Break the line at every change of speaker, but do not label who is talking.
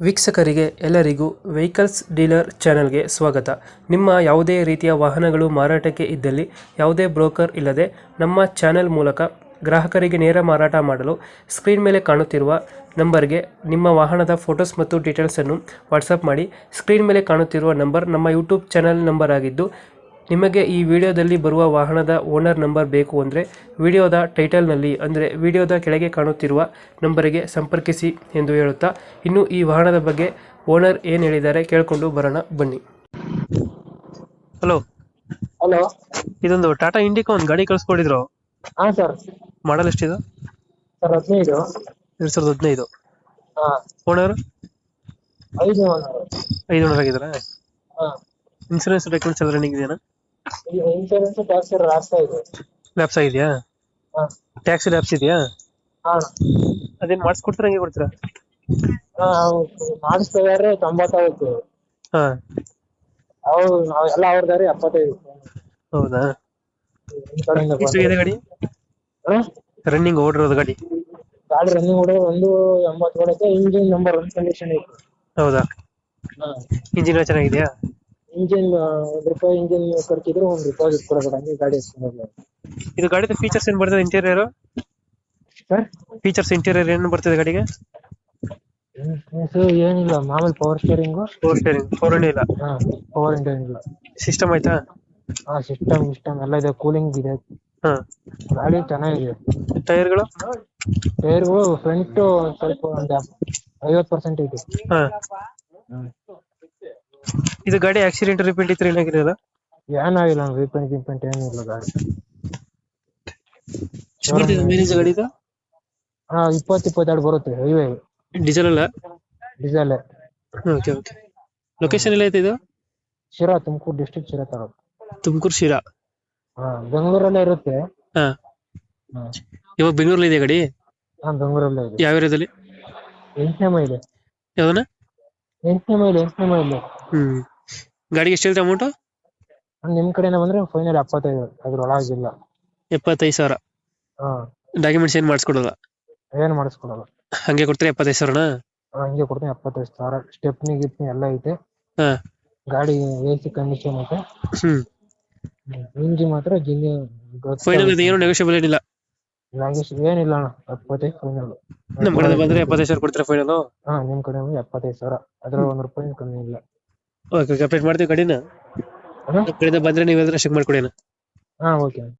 ವೀಕ್ಷಕರಿಗೆ ಎಲ್ಲರಿಗೂ vehicles dealer ಚಾನೆಲ್ಗೆ ಸ್ವಾಗತ. ನಿಮ್ಮ ಯಾವುದೇ ರೀತಿಯ ವಾಹನಗಳು ಮಾರಾಟಕ್ಕೆ ಇದ್ದಲ್ಲಿ ಯಾವುದೇ ಬ್ರೋಕರ್ ಇಲ್ಲದೆ ನಮ್ಮ ಚಾನೆಲ್ ಮೂಲಕ ಗ್ರಾಹಕರಿಗೆ ನೇರ ಮಾರಾಟ ಮಾಡಲು ಸ್ಕ್ರೀನ್ ಮೇಲೆ ಕಾಣುತ್ತಿರುವ ನಂಬರ್ಗೆ ನಿಮ್ಮ ವಾಹನದ ಫೋಟೋಸ್ ಮತ್ತು ಡೀಟೇಲ್ಸನ್ನು ವಾಟ್ಸಪ್ ಮಾಡಿ. ಸ್ಕ್ರೀನ್ ಮೇಲೆ ಕಾಣುತ್ತಿರುವ ನಂಬರ್ ನಮ್ಮ ಯೂಟ್ಯೂಬ್ ಚಾನೆಲ್ ನಂಬರ್ ಆಗಿದ್ದು, ನಿಮಗೆ ಈ ವಿಡಿಯೋದಲ್ಲಿ ಬರುವ ವಾಹನದ ಓನರ್ ನಂಬರ್ ಬೇಕು ಅಂದರೆ ವಿಡಿಯೋದ ಟೈಟಲ್ನಲ್ಲಿ ಅಂದರೆ ವಿಡಿಯೋದ ಕೆಳಗೆ ಕಾಣುತ್ತಿರುವ ನಂಬರಿಗೆ ಸಂಪರ್ಕಿಸಿ ಎಂದು ಹೇಳುತ್ತಾ, ಇನ್ನು ಈ ವಾಹನದ ಬಗ್ಗೆ ಓನರ್ ಏನು ಹೇಳಿದ್ದಾರೆ ಕೇಳಿಕೊಂಡು ಬರೋಣ ಬನ್ನಿ. Hello,
hello.
ಇದೊಂದು ಟಾಟಾ ಇಂಡಿಕಾ ಒಂದು ಗಾಡಿ ಕಳಿಸ್ಕೊಟ್ಟಿದ್ರು,
ಹಾ ಸರ್.
ಮಾಡಲ್ ಎಷ್ಟಿದೆ?
ಸರ್ 15.
2015.
ಹಾ.
ಓನರ್
5
5 ಓನರ್ ಆಗಿದ್ದಾರೆ.
ಹಾ.
ಇನ್ಸೂರೆನ್ಸ್ ಡಾಕ್ಯುಮೆಂಟ್ಸ್ ಎಲ್ಲ ರನ್ನಿಂಗ್ ಇದೆಯಾ?
ಇನ್ಶೂರೆನ್ಸ್ ಟ್ಯಾಕ್ಸ್ ರಾಸ್ತಾ ಇದೆ.
ಲ್ಯಾಪ್ಸ್ ಆಗಿದೆಯಾ?
ಹಾ.
ಟ್ಯಾಕ್ಸ್ ಲ್ಯಾಪ್ಸ್ ಇದೆಯಾ?
ಹಾ.
ಅದೇನು ಮಾಡಿಸ್ಕೊಡ್ತೀರಾ, ಹಂಗೆ ಕೊಡ್ತೀರಾ?
ಮಾಡಿಸ್ತಿದಾರೆ 95.
ಹಾ.
ನಾವೆಲ್ಲ ಅವ್ರದಾರೆ 75.
ಹೌದಾ?
ನಿಮ್ ಕಡೆಯಿಂದ
ಎಷ್ಟಾಗಿದೆ ಗಾಡಿ
ಹಾ?
ರನ್ನಿಂಗ್ ಓಡಿರೋದು ಗಾಡಿ?
ಗಾಡಿ ರನ್ನಿಂಗ್ ಹೊಡೆ 180 ಹೊಡೆತೆ. ಇಂಜಿನ್ ನಂಬರ್ 1 ಕಂಡೀಷನ್ ಐತೆ.
ಹೌದಾ?
ಹಾ.
ಇಂಜಿನ್ ಚೆನ್ನಾಗಿದೆಯಾ?
ಇಂಜಿನ್ ₹1 ಇಂಜಿನ್ ಖರ್ಚಿದ್ರೆ ₹1 ಕೊಡಬೇಡ, ಹಂಗೆ ಗಾಡಿ ಎತ್ಕೊಂಡು.
ಇದು ಗಾಡಿದ ಫೀಚರ್ಸ್ ಏನ್ ಬರ್ತದೆ? ಇಂಟೀರಿಯರ್
ಸರ್
ಫೀಚರ್ಸ್ ಇಂಟೀರಿಯರ್ ಏನು ಬರ್ತದೆ ಗಾಡಿಗೆ?
ಏನಿಲ್ಲ, ಮಾಮೂಲಿ power steering.
Four steering, four ಇಂಡಿ ಇಲ್ಲ?
ಹಾ, ಪವರ್ ಇಂಡಿಯನ್ ಇಲ್ಲ.
ಸಿಸ್ಟಮ್ ಆಯ್ತಾ?
ಹಾ, ಸಿಸ್ಟಮ್ ಎಲ್ಲ ಇದೆ, ಕೂಲಿಂಗ್ ಇದೆ.
ಹಾ.
ಗಾಡಿ ಚೆನ್ನಾಗಿದೆ.
ಟೈರ್ಗಳು?
ಟೈರ್ಗಳು ಫ್ರಂಟ್ ಸ್ವಲ್ಪ ಒಂದು 50% ಇದೆ.
ಹಾ.
ಹ್ಮ್.
ಇದು ಗಾಡಿ ಆಕ್ಸಿಡೆಂಟ್ ರಿಪೇಂಟ್ ಇತ್ತು ಏನಾಗಿದೆಯಲ್ಲ?
ಏನಾಗಿಲ್ಲ, ರಿಪೇಂಟ್ ಏನಿಲ್ಲ ಗಾಡಿ.
ಮೈಲೇಜ್ ಗಾಡಿದು?
ಹಾ, 20-22 ಬರುತ್ತೆ. ಹೈವೇ
ಡೀಸೆಲ್ ಅಲ್ಲ?
ಡೀಸೆಲ್.
Okay okay. ಲೊಕೇಶನ್ ಎಲ್ಲ ಐತೆ ಇದು?
ಶಿರಾ, ತುಮಕೂರು ಡಿಸ್ಟ್ರಿಕ್ಟ್, ಶಿರಾ ತಾಲೂಕು.
ತುಮಕೂರು ಶಿರಾ?
ಹಾ, ಬೆಂಗಳೂರಲ್ಲೇ ಇರುತ್ತೆ.
ಹಾ.
ಹಾ.
ಇವಾಗ ಬೆಂಗಳೂರಲ್ಲಿ ಇದೆ ಗಾಡಿ?
ಹಾ, ಬೆಂಗಳೂರಲ್ಲೇ ಇದೆ.
ಯಾವ ಏರಿಯಾದಲ್ಲಿ?
8ನೇ ಮೈಲಿ.
ಯಾವ್ದನ?
8ನೇ ಮೈಲಿ.
ಗಾಡಿಗೆ ಎಷ್ಟು ಹೇಳ್ತಾ ಅಮೌಂಟ್?
ನಿಮ್ ಕಡೆನ ಬಂದ್ರೆ ಫೈನಲ್ 75, ಅದ್ರೊಳಗಿಲ್ಲ.
75,000?
ಹಾ.
ಡಾಕ್ಯುಮೆಂಟ್ಸ್ ಏನ್ ಮಾಡಿಸ್ಕೊಡಲ್ಲ?
ಏನ್ ಮಾಡಿಸ್ಕೊಡಲ್ಲ.
ಹಂಗೆ ಕೊಡ್ತೀರಾ 75,000?
ಹಂಗೆ ಕೊಡ್ತೀನಿ. 75,000 ಸ್ಟೆಪ್ನಿ ಗಿಪ್ನಿ ಎಲ್ಲ ಐತೆ.
ಹಾ.
ಗಾಡಿ AC ಕಂಡೀಷನ್ ಐತೆ. ಇಂಜಿನ್ ಮಾತ್ರ
ಫೈನಲ್ ಏನು ನೆಗೋಷಿಯಬಲ್ ಏನಿಲ್ಲ?
ಏನಿಲ್ಲ ಅಣ್ಣ, 75 ಫೈನಲ್.
ನಮ್ ಕಡೆ ಬಂದ್ರೆ 75,000 ಕೊಡ್ತೀರಾ ಫೈನಲ್?
ಹಾ, ನಿಮ್ ಕಡೆ 75,000, ಅದ್ರ ₹1 ಕಮ್ಮಿ ಇಲ್ಲ.
ಓಕೆ, ಅಪ್ಡೇಟ್ ಮಾಡ್ತೀವಿ ಗಾಡಿನ. ನಮ್ಮ ಕಡೆಯಿಂದ ಬಂದ್ರೆ ನೀವೆಲ್ಲರೂ ಚೆಕ್ ಮಾಡ್ಕೊಡಿ.
ಹಾ, ಓಕೆ.